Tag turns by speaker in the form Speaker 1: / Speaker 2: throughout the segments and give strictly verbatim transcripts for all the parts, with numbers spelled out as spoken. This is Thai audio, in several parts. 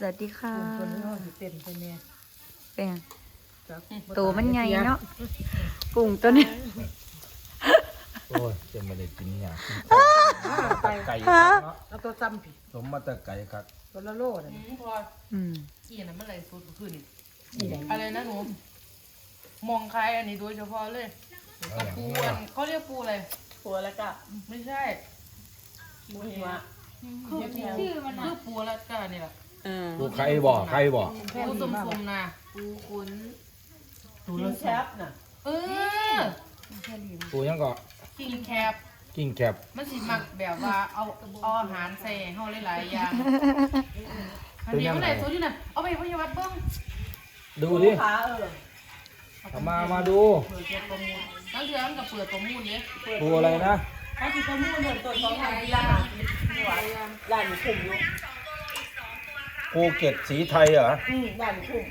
Speaker 1: วัสดีค่ะ
Speaker 2: คนนี้เขาสิเต้นไปเนี่ย
Speaker 1: เป็นไงตัวมันใหญ่เนาะกุ้งตัวนี้
Speaker 3: โอ้ยจะไม่ได้กินเนี่ย
Speaker 2: ไป
Speaker 3: ไก่ครับเนาะ
Speaker 2: แล้วตัวซ้ำผิด
Speaker 3: สมมาแตะไก่ครับ
Speaker 2: ตัวละโลนะ
Speaker 4: พอ
Speaker 1: อืม
Speaker 4: กี่น่ะเมื่อไหร่สุดขึ้น
Speaker 2: นี่แหละ
Speaker 4: อะไรนะหนูมองคล้ายอันนี้โดยเฉพาะเลยกับปูอันเขาเรียกปูอะไร
Speaker 5: หัวแล้วก็
Speaker 4: ไม่ใช่
Speaker 5: มูหิมะ
Speaker 4: คือชื่อมันคือปูแล้วก็นี่แหละ
Speaker 3: ดูใครบอกใครบอก
Speaker 4: ปูสมสมๆนะปูขุน
Speaker 2: ตัว
Speaker 5: กิ
Speaker 2: ละ
Speaker 5: นแคปน่ะ
Speaker 4: เออ
Speaker 3: ปูยังก็
Speaker 4: กินแคบ
Speaker 3: กิ้งแคบ
Speaker 4: มันสิมักแบบว่าเอาเอาอาหารใส่ให้เฮาหลายๆอย่างอันนี้เมื่อไหร่สุดอยู่น่ะเอาไปพยาบาลเบิ้ง
Speaker 3: ดูดิ
Speaker 5: ขาเออ
Speaker 3: เอามามาดู
Speaker 4: เปิดตัวประมูลตั้งแต่มันก็เปิดประมูลเนี่ย
Speaker 3: ปูอะไรนะ
Speaker 5: เขาสิประมูลเริ่มต้นของทางร้านนี่หว่าร้านคุ้มอยู่
Speaker 3: ภูเก็ตสีไทยเหรอ
Speaker 5: อืมร้านคุ้ม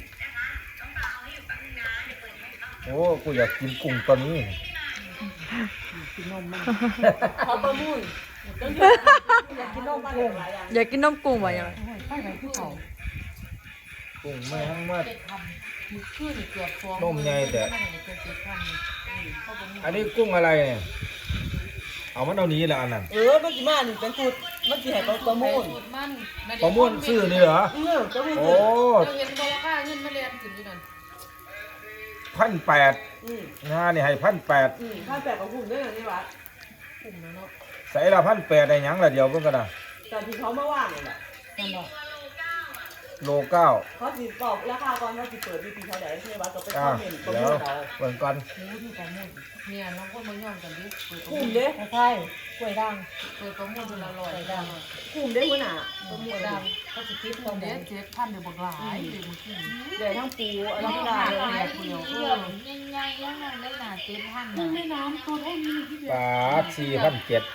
Speaker 3: โอ้กูอยากกินกุ้งตัวนี้
Speaker 2: กินนมมัน
Speaker 5: เขาประมูลต้องอยากกินนมบ้านหลายอย่าง
Speaker 1: อยากกินนมกุ้งวะยังไง
Speaker 2: ไปไหนที่เขา
Speaker 3: กุ้งแม่งมาก
Speaker 4: เจ็ดพันคือขึ้นเกือบฟอง
Speaker 3: นมใหญ่แต่
Speaker 4: เกือบเจ็ดพันเข้าประมูล
Speaker 3: อันนี้กุ้งอะไรเนี่ยเอามันเอานี้แหละอันนั้น
Speaker 5: เออมันสิมานี่เป็นสูตรมันสิให้ประมูล
Speaker 4: มัน
Speaker 3: ประมูลซื้อนี่เหรอ
Speaker 5: เออประมูล
Speaker 3: โอ้
Speaker 4: เราเห็นมูลค่าเงินมาเรียนถึงที่นั่น
Speaker 3: พันแปด
Speaker 5: อืม
Speaker 3: งานนี่ให้พันแปด
Speaker 5: อืมข้าวแปดกับหุ่นด้วยนะนี่หว่า
Speaker 4: กลุ่มนะเนาะ
Speaker 3: ใส่ละพันแปดได้หยังละเดียวเพิ่งกันนะ
Speaker 5: แต่ที่เขามาว่างนี่แหละ
Speaker 4: นั่นแหละ
Speaker 3: โลเก้า
Speaker 5: เขาสิบอกราคาก่อนว่าสิเปิดดีปีเท่าไหร่ใช่ไหมก็ไปค
Speaker 3: อ่า
Speaker 5: อมเมนต์ประ
Speaker 3: เดี๋ย
Speaker 5: มู
Speaker 3: ว
Speaker 5: ลเอา
Speaker 3: เปิดก่อน
Speaker 4: โอ้ที่ประมูลเนี่ยเราก็มาย่อมกันดิเปิดประ
Speaker 5: คุ้
Speaker 4: มู
Speaker 5: ม
Speaker 4: ล
Speaker 5: เด้
Speaker 2: ใช่กล้วยด่าง
Speaker 4: เปิดประมูลเป็นละร้อย
Speaker 5: คุ้มเด้หัวหน้า
Speaker 2: ต้มหมูด่างเขาจะคิดตอน
Speaker 4: เด็
Speaker 2: นี้
Speaker 4: ดเจ็ดพันเดี๋ยวบอกหลายเดี๋ยวมึงขึ้น
Speaker 5: เดี๋ยวทั้งปูอันนี้ก็ได้
Speaker 4: หลายคนเดียวเออ
Speaker 6: ใหญ่ๆแล้วมันได้หนาเจ็ดพัน
Speaker 4: มึงไม่น้ำตัวเท่านี้ที่เดียว
Speaker 3: ปาดสี่พันเจ็ด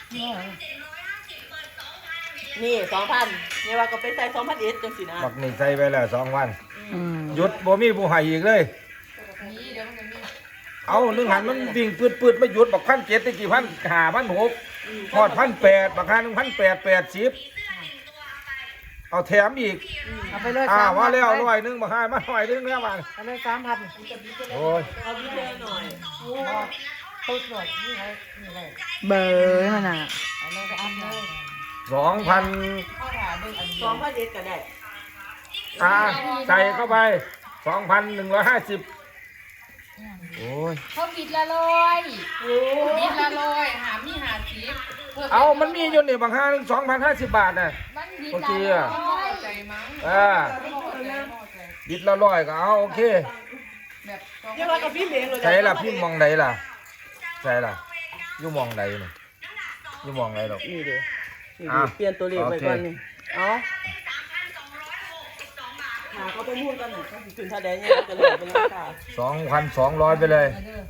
Speaker 5: นี่สองพันเนี่ยว่าก็ไปใส่สองพันเอ็ดจังสินะ
Speaker 3: บักนี่ใส่ไปแล้วสองวัน
Speaker 1: อืม
Speaker 3: หยุดบ่มีผู้ให้อีกเลย
Speaker 4: นี่เดี๋ยวมันจะมี
Speaker 3: เอาหนึ่งหันมันวิ่งปืดปืดไม่หยุดบักพันเจ็ดตะกี่พันหาพันหกทอดพันแปดบักหาหนึ่งพันแปดแปดสิบเอาแถมอีก
Speaker 2: เอาไปเลย
Speaker 3: อ่า
Speaker 2: สามพั
Speaker 3: ว่าน แล้วร้อยหนึงบักหามาร้อยหนึงเนี่ยบาง
Speaker 2: เอาเลยสามพัน
Speaker 3: โอ้ย
Speaker 5: เอาพี่เทหน่อย
Speaker 2: ตุ๊ดหน่อยนี่ไงนี่ไง
Speaker 1: เบอร์มันอ่ะ
Speaker 2: เอาเลยก็อันเลย
Speaker 3: สองพัน
Speaker 4: ข้าวขาด้วยอัน
Speaker 5: สองพันเอ็ดก็ได้
Speaker 3: อ่าใส่เข้าไปสองพันหนึ่งร้อยห้าสิบโอ้ย
Speaker 4: เขาบิดละร้อยบิดละร้อยหามีหาสี
Speaker 3: เอามันมีอยู่นี่บางห้าหนึ่งสองพันห้าสิบบาทน่ะ
Speaker 4: มันบิด
Speaker 3: โอ
Speaker 4: ละ
Speaker 3: เค
Speaker 4: ร้
Speaker 3: อะ
Speaker 4: อยใจมั้ง
Speaker 3: อ่า
Speaker 4: ไม่พอใจไม่พอใจ
Speaker 3: บิดละร้อยก็เอาโอเค
Speaker 4: แบบ
Speaker 5: เรียกว่ากับพี่เมงเลย
Speaker 3: ใส่ละพี่มองใดล่ะใส่ละอยู่มองใดนี่อยู่มองใดหรอก
Speaker 5: นี่เด้นี่
Speaker 3: อ่ะ
Speaker 5: เปลี่ยนตัวเลขไปก่อน
Speaker 3: โอเค
Speaker 5: นี่เอาหาเขาไปพูดกันหน่อยเขาสิถึงท่าแดงเนี่ยจะเหลือเป็นราคา
Speaker 3: สองพันสองร้อยไปเลย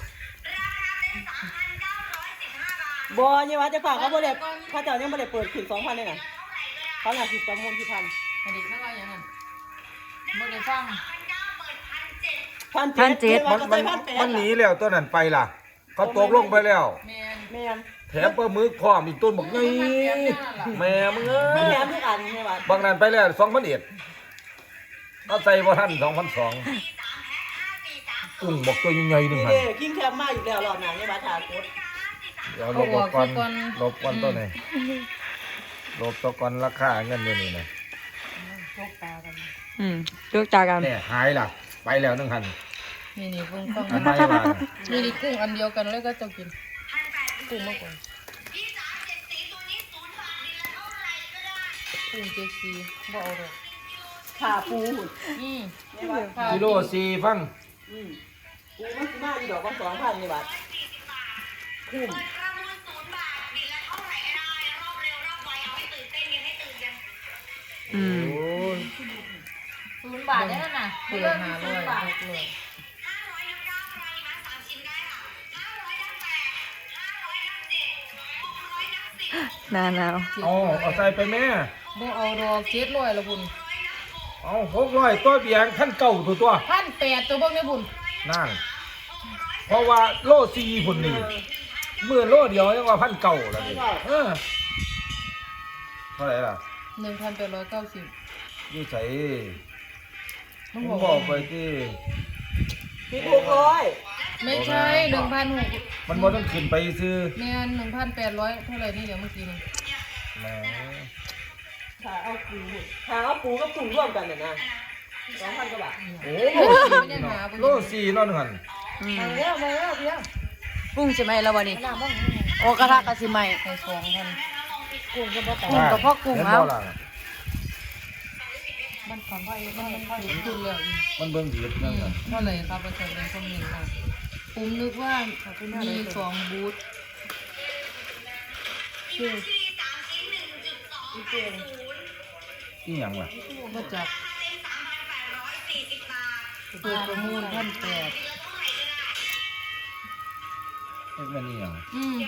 Speaker 5: บอเนี่ยว่าจะฝากเขาบ่ได้เขาเจ้ายังบ่ได้เปิดขึ้นสองพันเลยนะเขาหนาสิบจำนวนที่พัน
Speaker 4: อันนี้ข้างล่างยังไงเมื่อได้ฟัง
Speaker 5: พันเจ็ด
Speaker 3: มันมันมันหนีแล้วตัวนั้นไปล่ะ เขาตกลงไปแล้ว
Speaker 4: แมน
Speaker 5: แม่น
Speaker 3: แถมปลาหมึกพร้อมอีกต้นบอกไงแม่มึงเอ้
Speaker 5: มัน
Speaker 3: ย
Speaker 5: แถมทุกอันใช่ป่ะ
Speaker 3: บางนั้นไปแล้วสองพันเอ็ดเอาใส่บ่ทันสองพันสองกุ้งบอกตัวใหญ่ๆหนึ่ง
Speaker 5: นี่
Speaker 3: หัน
Speaker 5: เด้กิ้งแคมมาอีกแล้วรอบหน้าเนี่ยมาถากด
Speaker 3: เดี๋ยวลบก่อนลบก่อนตัวไหนลบตัวก่อนราคาเงินเดี๋ยวนี้นะ
Speaker 2: โชคตากัน
Speaker 1: อืมจุกจากัน
Speaker 3: เนี่ยหายล่ะไปแล้วหนึ่งหัน
Speaker 4: นี่นี่กุ้งฟัง
Speaker 3: อันไม่มา
Speaker 4: นี่นี่กุ้งอันเดียวกันแล้วก็จะกินกุ้งมากกว่ากุ้งเจซีบ่เอาเลย
Speaker 5: ขาปูหุ่น
Speaker 4: อืม
Speaker 5: เนี่ยว่าขา
Speaker 3: กิโลสี่ฟัง
Speaker 5: อืมปูมันสิมาอีดอกก็สองพันนี่บาทคุ้ม
Speaker 1: อืม
Speaker 3: โอ้ย
Speaker 6: ศูนย์บาทได้แล้วน่ะ
Speaker 4: เปลือหาร้อยหกเลย
Speaker 1: หนาวหนาว
Speaker 3: เอาเอาใส่ไปแม่
Speaker 4: บ่เอาดอกเจ็ดร้อยละบุญ
Speaker 3: เอาหกร้อยตัวเบียงท่านเก่าตัวตัว
Speaker 4: พันแปดตัวเบิ่งในบุญ
Speaker 3: นั่นเพราะว่าโลสี่พุ่นนี่เมื่อโลเดียวยังว่าพันเก่าแล้วนี่เออเท่าไหร่ล่ะ
Speaker 4: หนึ่งพันแปดร้อยเก้าสิบ
Speaker 3: อยู่ใส่มึงบอกไปที่
Speaker 5: พี่หกร้อย
Speaker 4: ไม่ใช่หนึ่งพันหก
Speaker 3: มันบ่ต้องขึ้นไปซื้อ
Speaker 4: เนี่ยหนึ่งพันแปดร้อยเท่าไหร่นี่เดี๋ยวเมื่อกี้นี่
Speaker 3: แหม
Speaker 5: ถ้าเอาปูถ้าเอาปูกับปูร่วมกันน่ะนะสองพันกว่าบาท
Speaker 3: โอ้โลสี่เนาะโลสี่เนาะนั่น
Speaker 1: อืม
Speaker 2: มาแล้วมาแล้วเพียง
Speaker 1: กุ้งใช่ไหมแล้ววันนี้
Speaker 2: น้ำบ้าง
Speaker 1: โอ้กระทะกะสิไหม
Speaker 4: ใส่สองพัน
Speaker 2: กุ้งก็บ่แตก
Speaker 1: กุ้งกับพ่อกุ้ง
Speaker 3: เห็น
Speaker 1: เอา
Speaker 3: บ่ล่ะ
Speaker 4: มันความว่ามันมันมันขึ้นแล้ว
Speaker 3: มันเบิ่งดีนั่นน่ะ
Speaker 4: เท่าไหร่ครับประชาชนคอมเมนต์มาผมนึกว่ามีสองบูธ
Speaker 3: อีหยังล่ะ
Speaker 4: ก็จับเปิดประมูลพันแปด
Speaker 3: เฮ็ดแม่นอีหยัง
Speaker 4: อืม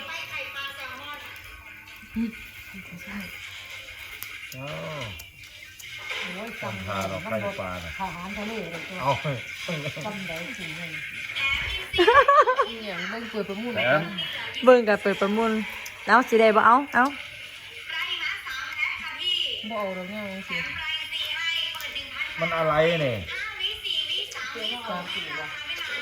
Speaker 3: อ้าว
Speaker 2: โอ้ย
Speaker 3: ทำหาดอกไข่ปลาน่ะ
Speaker 2: อาหารทะเลกันตัว
Speaker 3: เอา
Speaker 2: จำได้สิเงิน
Speaker 4: อีหยังเบิ่งเปิดประมูล
Speaker 3: แถ
Speaker 4: กั
Speaker 3: ม
Speaker 4: น
Speaker 1: เบิ่งกับเปิดประมูลแล้วสิได้บ่เอาเอา
Speaker 4: บ่เอาดอกเงี้ยจังซี่
Speaker 3: มันอะไรนี่
Speaker 4: สามสิบว่ะ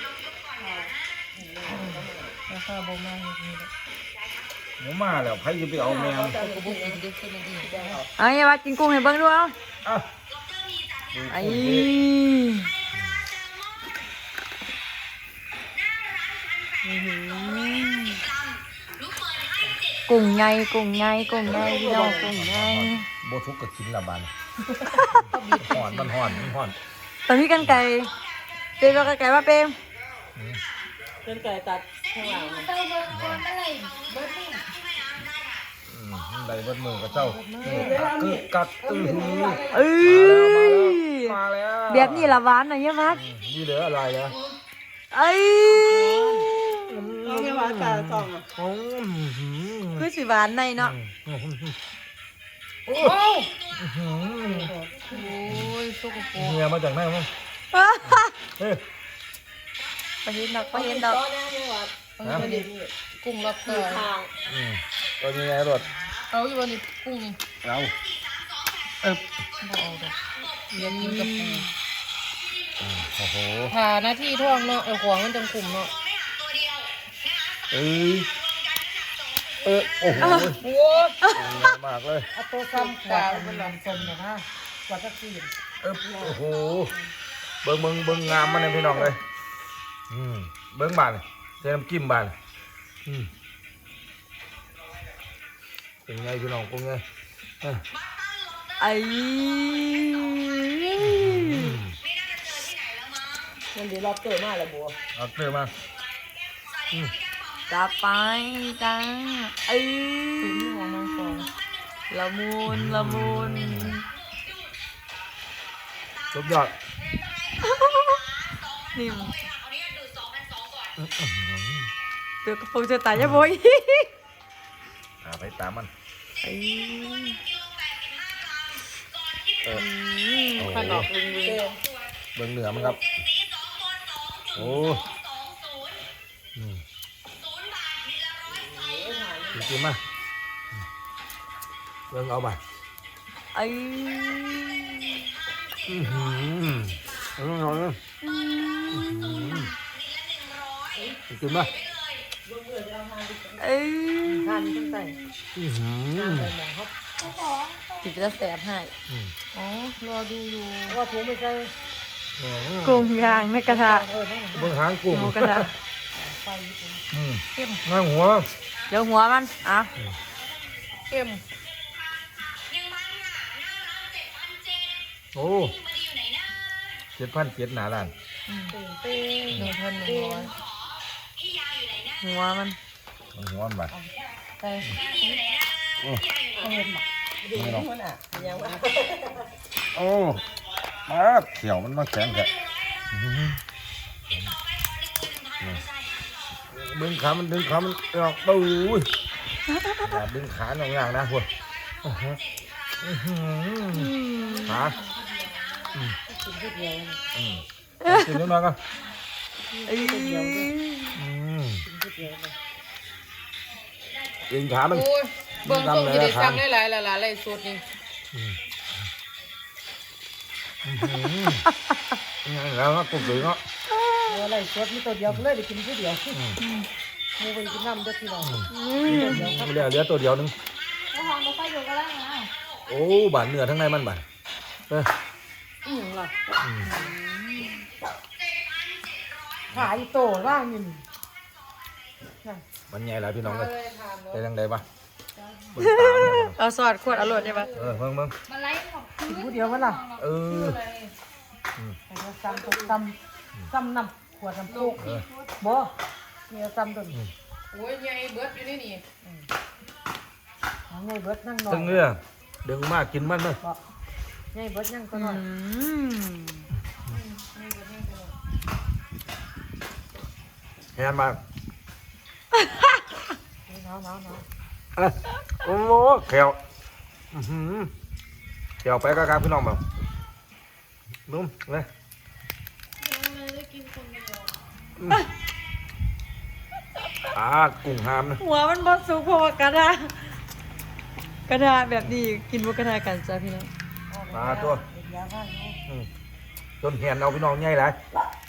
Speaker 4: ราคาบ่มากนี่แหละ
Speaker 3: หมูมาแล้วใครจะไปเอาแมว
Speaker 4: ก็บ่กินเด็กแค่นั้นเอง
Speaker 1: เอาอย่าว่ากินกุ้งให้เบิ่งดูเอา
Speaker 3: อ่ะ
Speaker 1: ไอ้อื้อหือกุ้งใหญ่กุ้งใหญ่กุ้งใหญ่พี่น้องกุ้งใหญ่
Speaker 3: โบทุกก็กินละบานห่อนมันห่อนมันห่อน
Speaker 1: ตอนนี้กันไก่เปมว่ากันไก่ว่าเปม
Speaker 5: เป็นไก่ตัดข้างหลัง
Speaker 6: เต้าเบิร์ดเมื่อไหร่เบิร์ดนี่
Speaker 3: อืมได้เบิดมือกับเจ้าคือกักอื้อหือ
Speaker 1: เอ้ย
Speaker 3: มาแล้ว
Speaker 1: แบบนี้ละหวานนะเยอะมาก
Speaker 3: นี่เหลืออะไรแล้ว
Speaker 1: เอ้ย
Speaker 5: เอาแค่ว่าตาสองอ่ะ
Speaker 3: อืม
Speaker 1: คือสิหวานในเนาะ
Speaker 3: โอ้โห
Speaker 4: โอ้ยสกปรก
Speaker 3: เฮียมาจากไหนมั้งเฮ้ย
Speaker 1: ไปเห็นดอกไปเห็นดอก
Speaker 5: ตอนนี้ไม่ว่า
Speaker 4: เอาอยู่บ่นี่กุ้งล็อบสเตอร์
Speaker 5: ทาง
Speaker 3: อืมตัวนี้ไงรถ
Speaker 4: เอาอยู่บ่นี่กุ้งนี่
Speaker 3: เอา
Speaker 4: บ่เอาดอกอยากกินกับปู
Speaker 3: โอ้โห
Speaker 4: ผ่าหน้าที่ท่องเนาะเอาของมันจังคุมเนาะ
Speaker 3: เอ้ยเออโอ้โห
Speaker 4: โอ้
Speaker 3: มากเลย
Speaker 2: เอาตัวซ้ำขวดเป็นลำส้มนะฮะกว่าจะกิน
Speaker 3: เออโอ้โหเบิ้งเบิ้งเบิ้งงามมาเนี่ยพี่น้องเลยอืมเบิ้งบานเส้นน้ำจิ้มบานอืมเป็นไงพี่น้องเป็นไงเอ้ย
Speaker 1: ไอ้
Speaker 5: มันเดี๋ยวรอบเกิดมาแล้วบัว
Speaker 3: เอาเกลือมาอืม
Speaker 1: จะไปจ้าเอ้ย
Speaker 4: เป็นที่ของน้องฟอง
Speaker 1: ละมุนละมุน
Speaker 3: สุดยอด
Speaker 1: นิ่มเตือกระโปรงจะตายยังโบย
Speaker 3: อ่าไปตามมัน
Speaker 1: ไอ้
Speaker 3: เออโอ้โห
Speaker 4: ขนมอึ้ง
Speaker 3: เบิ้งเหนือมันครับโอ้อืมจริงๆมาเบิ้งเอาไป
Speaker 1: ไอ้
Speaker 3: อือหือเอาเลยเอาเลยจริงๆมา
Speaker 1: ไอ้
Speaker 2: ทานขึ้นใส่
Speaker 3: อือหือ
Speaker 2: ใส่หมองครับ
Speaker 1: จิตจะแสบให้
Speaker 4: อ๋อรอดูอยู่
Speaker 2: ว่าถุงไม่ใช่
Speaker 1: กุ้งย่างในกระทะ
Speaker 2: เออนั่น
Speaker 3: เบิ้งหางกุ้ง
Speaker 1: หมูกระทะ
Speaker 3: อืมนั่งหัว
Speaker 1: เดี๋ยวหัวมันอ่ะ
Speaker 4: เข้ม
Speaker 3: โอ้เจ็ดพันเจ็ดหนาล้าน
Speaker 4: หนึ่งพันหนึ่งร้อย
Speaker 1: หัวมัน
Speaker 3: มันหัวมันไป
Speaker 4: ไป
Speaker 3: โอ้
Speaker 5: ดีมันอ่ะยังว่า
Speaker 3: โอ้มาเขียวมันมาแข็งแกะดึงขามันดึงขามันออกตู้ยอย่าดึงขาอย่างอย่างนะพวกขาอืมอืมกินนิดหน่อยกัน
Speaker 1: ไอ้
Speaker 3: อืมดึงขามัน
Speaker 4: โอ้ยเบิ่งส่งจะได้สั่งหลายๆหลายๆหลายสุดนี่
Speaker 3: แล้วก็กุ้งเลยเนาะ
Speaker 2: อะไรสดมีตัวเดียวก็เลยได้กินผู้เดียวมูไปกินน้ำด้วยที่เรา
Speaker 3: เหลือเหลือตัวเดียวนึง
Speaker 6: แล้วห้องก็ไปอยู่กันแล้วนะ
Speaker 3: โอ้บานเนื้อทั้งในมันบานเออ
Speaker 2: อืมล่ะขายโตร่างนี่
Speaker 3: มันใหญ่หลายพี่น้องเลยเป็นยังไงบ้าง
Speaker 1: เอาสอดขวดเอาโหลดได้ปะ
Speaker 3: เออเบิ่งเบิ่ง
Speaker 6: มาไล่ของ
Speaker 2: กินผู้เดียวมันล่ะ
Speaker 3: เออ
Speaker 2: ไอ้เราซ้ำตัวซ้ำซ้ำน้ำขวดน้ำโคกบ่เนี่ยซ้ำตัวนี้
Speaker 4: โอ้ยใหญ่เบิดอยู่นี่นี่
Speaker 2: เอาไงเบิดนั่งนอน
Speaker 3: ทั้งเนื้อดึงมากกินมันเลย
Speaker 2: บ่ไงเบิดนั่งก็นอน
Speaker 3: แฮนมาก
Speaker 2: หนาวหนาวหนาว
Speaker 3: เอ้ยโอ้โหแขวอื้อหือแขวไปก็ครับพี่น้องแบบนุ่มเลยอืมอ่ากุ้งหามนะ
Speaker 1: หัวมันบดสุกเพราะว่ากระทะกระทะแบบนี้กินบุกระทะกันจ้าพี่น้อง
Speaker 3: ปลาตัว
Speaker 2: เด็กยาบ้านเนาะ
Speaker 3: อืมจนแหนเอาพี่น้องใหญ่หลาย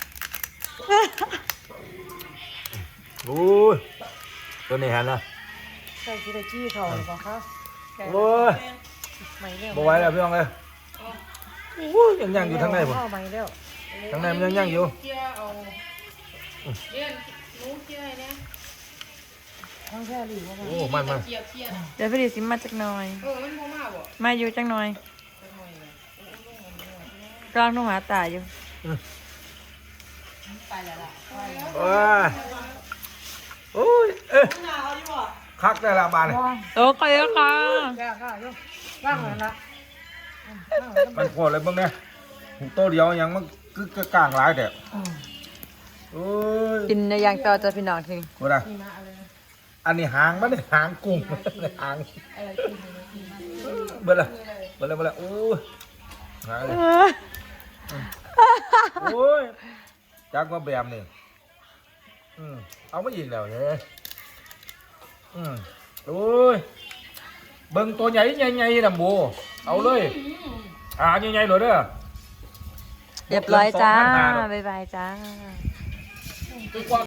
Speaker 3: โอ้ยตัวนี้แหนนะ
Speaker 2: ใส่ชีได้จี้เขาหรือเปล่าคะ
Speaker 3: โอ้ย
Speaker 2: ไม่เร็ว
Speaker 3: บ่ไหวแล้วพี่น้องเลยโอ้ยยังยังอยู่ทางในผม
Speaker 2: เข้าไม่เร็ว
Speaker 3: ทางในมันยังยังอยู่
Speaker 4: เกียร์เอาเรียนหนูเกียร์ให้เนี่ย
Speaker 2: ทั้งแค่หลีว่า
Speaker 3: โอ้มันมัน
Speaker 4: เกียร์เกียร์น่ะ
Speaker 1: เดี๋ยวพี่ดิสิมาจักหน่อย
Speaker 4: เออมันบ่มาบ่
Speaker 1: มาอยู่จักหน่อย
Speaker 4: จังหน่อยน่ะ
Speaker 1: กลางทุ่งหาตาอยู่
Speaker 4: ไปแล้วล่ะ
Speaker 3: โอ้ยโอ้ยเอ๊ะคักได้ละบาน
Speaker 2: ว่าง
Speaker 1: โอเคค่ะ
Speaker 2: แก่ค่ะยุ่งว่างเลยละ
Speaker 3: มันโคตรเลยเบิ่งเนี่ยหูโตเดียวยังมันคือกกลางหลายแต่โอ้ย
Speaker 1: กินในอย่างต่อจ้าพี่น้องถึง
Speaker 3: กูนะอันนี้หางมันนี่หางกุ้งหางเบิ่งละเบิ่งละเบิ่งละโอ้ยหางเลยโอ้ยจักว่าแบบนี่อืมเอามาอีกแล้วเนี่ยอืมโอ้ยเบิ่งตัวใหญ่ใหญ่ๆนะโบเอาเลยอ่าใหญ่ๆเลยเด้อ
Speaker 1: เรียบร้อยจ้าบ๊ายบายจ้า
Speaker 3: คือความ